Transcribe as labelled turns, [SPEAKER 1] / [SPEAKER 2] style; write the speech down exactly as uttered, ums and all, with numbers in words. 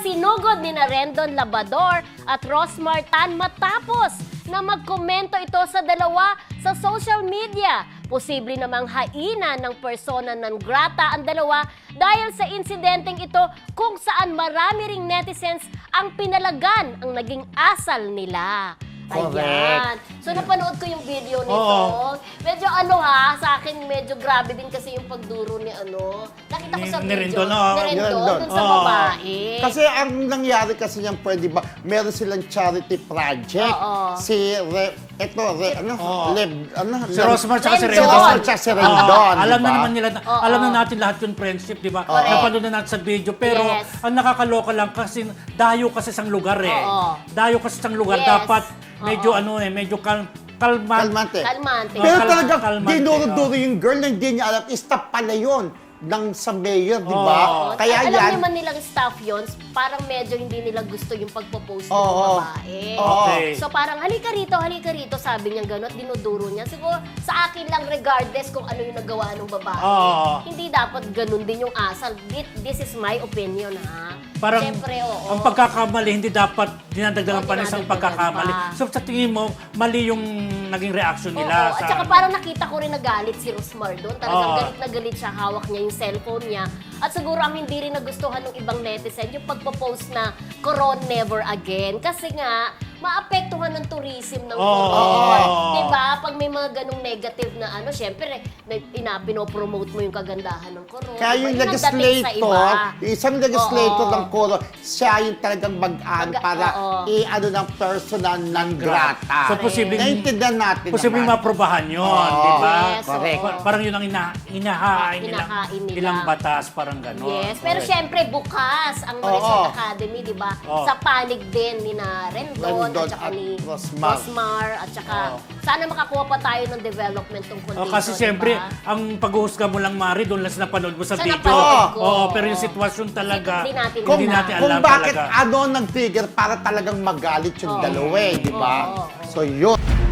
[SPEAKER 1] isinugod ni Rendon Labrador at Rosmar Tan matapos na magkomento ito sa dalawa sa social media. Posible namang haina ng persona non grata ang dalawa dahil sa insidenteng ito kung saan marami ring netizens ang pinalagan ang naging asal nila.
[SPEAKER 2] Correct.
[SPEAKER 1] Ayan. So, napanood ko yung video nito.
[SPEAKER 2] Oo.
[SPEAKER 1] Medyo ano ha, sa akin medyo grabe din kasi yung pagduro ni ano. Nakita ko
[SPEAKER 2] Ni-
[SPEAKER 1] sa
[SPEAKER 2] ni
[SPEAKER 1] video.
[SPEAKER 2] Rendon, oo.
[SPEAKER 1] Ni
[SPEAKER 2] Ni
[SPEAKER 1] Rendon,
[SPEAKER 3] Rendon.
[SPEAKER 1] dun sa
[SPEAKER 2] Oo.
[SPEAKER 1] babae.
[SPEAKER 3] Kasi ang nangyari kasi niyan, pwede ba, meron silang charity project.
[SPEAKER 1] Oo.
[SPEAKER 3] Si, Re, eto, Re, ano,
[SPEAKER 2] Oo.
[SPEAKER 3] Leb, ano,
[SPEAKER 2] Si
[SPEAKER 3] Leb-
[SPEAKER 2] Rosmar tsaka si
[SPEAKER 1] Rendon.
[SPEAKER 2] Rendon.
[SPEAKER 3] Si Rosmar tsaka si Rendon,
[SPEAKER 2] Oo, alam
[SPEAKER 3] di
[SPEAKER 2] na
[SPEAKER 3] ba?
[SPEAKER 2] naman nila,
[SPEAKER 1] Oo.
[SPEAKER 2] alam na natin lahat yung friendship, di ba?
[SPEAKER 1] Correct.
[SPEAKER 2] Napanood na natin sa video. Pero
[SPEAKER 1] Yes.
[SPEAKER 2] ang nakakaloka lang kasi dayo kasi sa lugar eh.
[SPEAKER 1] Oo.
[SPEAKER 2] Dayo kasi sa lugar.
[SPEAKER 1] Yes.
[SPEAKER 2] Dapat medyo
[SPEAKER 1] Oo.
[SPEAKER 2] ano eh, medyo kal kalma.
[SPEAKER 3] Kalmante.
[SPEAKER 1] Kalmante.
[SPEAKER 3] Pero
[SPEAKER 2] Kal-
[SPEAKER 3] talagang
[SPEAKER 2] kalmante,
[SPEAKER 3] dinuro-duro
[SPEAKER 2] oh.
[SPEAKER 3] yung girl na hindi niya alam, staff pala yun ng sa mayor, di ba?
[SPEAKER 2] Oo.
[SPEAKER 3] Kaya
[SPEAKER 1] Alam
[SPEAKER 3] yan,
[SPEAKER 1] naman nilang staff yun, parang medyo hindi nila gusto yung pagpo-post ng
[SPEAKER 3] Oo.
[SPEAKER 1] babae.
[SPEAKER 3] Oo.
[SPEAKER 2] Okay.
[SPEAKER 1] So parang halika rito, halika rito, sabi niya gano'n, dinuduro niya. Siguro sa akin lang regardless kung ano yung nagawa ng babae.
[SPEAKER 2] Oo.
[SPEAKER 1] Hindi dapat ganun din yung asal. Thi- This is my opinion ha.
[SPEAKER 2] Parang
[SPEAKER 1] Siyempre, oo.
[SPEAKER 2] ang pagkakamali, hindi dapat dinadagdagan
[SPEAKER 1] Oo,
[SPEAKER 2] pa ng isang
[SPEAKER 1] dinadagdagan
[SPEAKER 2] pagkakamali.
[SPEAKER 1] pa.
[SPEAKER 2] So sa tingin mo, mali yung naging reaction
[SPEAKER 1] Oo,
[SPEAKER 2] nila.
[SPEAKER 1] at
[SPEAKER 2] sa,
[SPEAKER 1] saka parang nakita ko rin nagalit si Rosmar doon. Talagang
[SPEAKER 2] Oo.
[SPEAKER 1] galit na galit siya, hawak niya yung cellphone niya. At siguro ang hindi rin nagustuhan ng ibang netizen, yung pagpo-post na Coron never again. Kasi nga, maapektuhan ng tourism ng
[SPEAKER 2] Oo.
[SPEAKER 1] Coron.
[SPEAKER 2] Oo.
[SPEAKER 1] Diba? Pag may mga ganong negative na ano, syempre, na- ina, pinopromote mo yung kagandahan ng Coron.
[SPEAKER 3] kaya yung
[SPEAKER 1] Diba? Yun ang dating sa
[SPEAKER 3] legislator,
[SPEAKER 1] iba.
[SPEAKER 3] yung isang legislator
[SPEAKER 1] Oo.
[SPEAKER 3] ng Coro, siya yung talagang mag-an
[SPEAKER 1] Mag-
[SPEAKER 3] para
[SPEAKER 1] oo.
[SPEAKER 3] i-ano ng personal non grata.
[SPEAKER 2] So, posibleng-
[SPEAKER 3] Naintindihan natin
[SPEAKER 2] posibleng
[SPEAKER 3] naman.
[SPEAKER 2] maprobahan yun,
[SPEAKER 3] Oo.
[SPEAKER 2] di ba?
[SPEAKER 1] Yes,
[SPEAKER 3] Correct.
[SPEAKER 1] oo.
[SPEAKER 2] Pa- Parang yun ang ina inahain nilang,
[SPEAKER 1] Inahain nila.
[SPEAKER 2] ilang batas, parang gano'n.
[SPEAKER 1] Yes, pero syempre bukas ang
[SPEAKER 3] Oo.
[SPEAKER 1] Marisol Academy, di ba?
[SPEAKER 2] Oo.
[SPEAKER 1] Sa panig din ni na Rendon,
[SPEAKER 3] Rendon
[SPEAKER 1] at saka
[SPEAKER 3] at
[SPEAKER 1] ni
[SPEAKER 3] Rosmar.
[SPEAKER 1] Rosmar, at saka
[SPEAKER 2] Oo.
[SPEAKER 1] sana makakuha pa tayo ng development tungkol
[SPEAKER 2] Oh,
[SPEAKER 1] dito,
[SPEAKER 2] kasi
[SPEAKER 1] di
[SPEAKER 2] siyempre,
[SPEAKER 1] ba?
[SPEAKER 2] ang paghuhusga mo lang, Mari, doon lang sa napanood mo sa
[SPEAKER 1] Sa
[SPEAKER 2] video.
[SPEAKER 1] napanood ko.
[SPEAKER 2] Oo, pero yung sitwasyon talaga,
[SPEAKER 1] Hindi natin
[SPEAKER 3] Kung,
[SPEAKER 2] hindi natin
[SPEAKER 3] kung
[SPEAKER 2] alam
[SPEAKER 3] bakit
[SPEAKER 2] talaga.
[SPEAKER 3] ano nag-trigger para talagang magalit yung
[SPEAKER 1] Oo.
[SPEAKER 3] dalawa, eh, di ba?
[SPEAKER 1] Oo, oo, oo.
[SPEAKER 3] So, yun.